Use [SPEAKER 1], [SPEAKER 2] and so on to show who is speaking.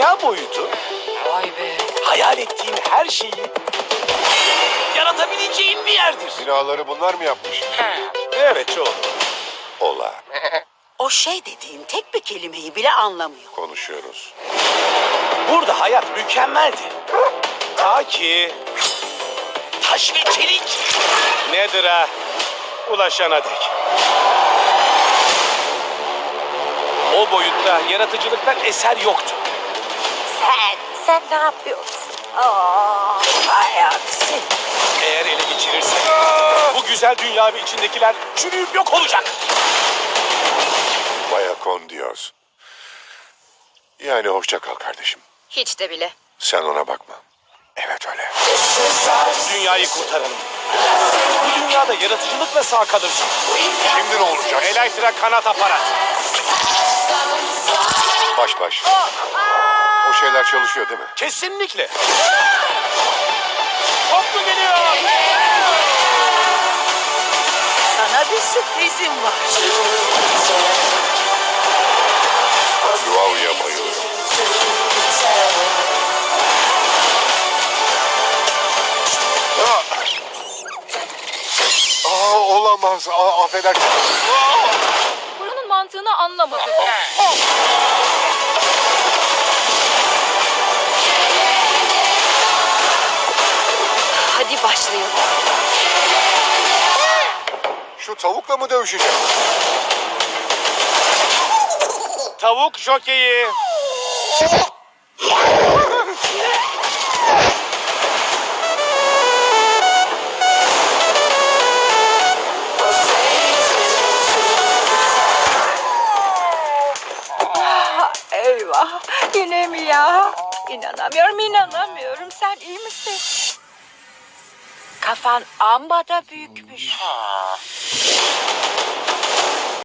[SPEAKER 1] dünya boyutu
[SPEAKER 2] Vay be.
[SPEAKER 1] hayal ettiğin her şeyi yaratabileceğin bir yerdir.
[SPEAKER 3] Binaları bunlar mı yapmış?
[SPEAKER 1] Evet çoğu.
[SPEAKER 3] Ola.
[SPEAKER 4] O şey dediğin tek bir kelimeyi bile anlamıyor.
[SPEAKER 3] Konuşuyoruz.
[SPEAKER 1] Burada hayat mükemmeldi. Ta ki taş ve çelik nedir ha? Ulaşana dek. O boyutta yaratıcılıktan eser yoktu.
[SPEAKER 4] Sen ne yapıyorsun? Aa, hay aksi.
[SPEAKER 1] Eğer ele geçirirsen bu güzel dünya ve içindekiler çürüyüp yok olacak.
[SPEAKER 3] Baya con Dios. Yani hoşça kal kardeşim.
[SPEAKER 2] Hiç de bile.
[SPEAKER 3] Sen ona bakma. Evet öyle.
[SPEAKER 1] Dünyayı kurtaralım. Bu dünyada yaratıcılıkla sağ kalırsın.
[SPEAKER 3] Şimdi ne olacak?
[SPEAKER 1] Elektra kanat aparat.
[SPEAKER 3] Baş baş. O şeyler çalışıyor değil mi?
[SPEAKER 1] Kesinlikle. Toplu geliyor.
[SPEAKER 4] Sana bir sürprizim var.
[SPEAKER 3] Duava'ya bayılıyorum. Olamaz. Affedersin.
[SPEAKER 2] Buranın mantığını anlamadım. Hadi başlayalım.
[SPEAKER 3] Şu tavukla mı dövüşeceğim?
[SPEAKER 1] Tavuk jokeyi.
[SPEAKER 4] Eyvah, yine mi ya? İnanamıyorum. Sen iyi misin? Kafan amma da büyükmüş.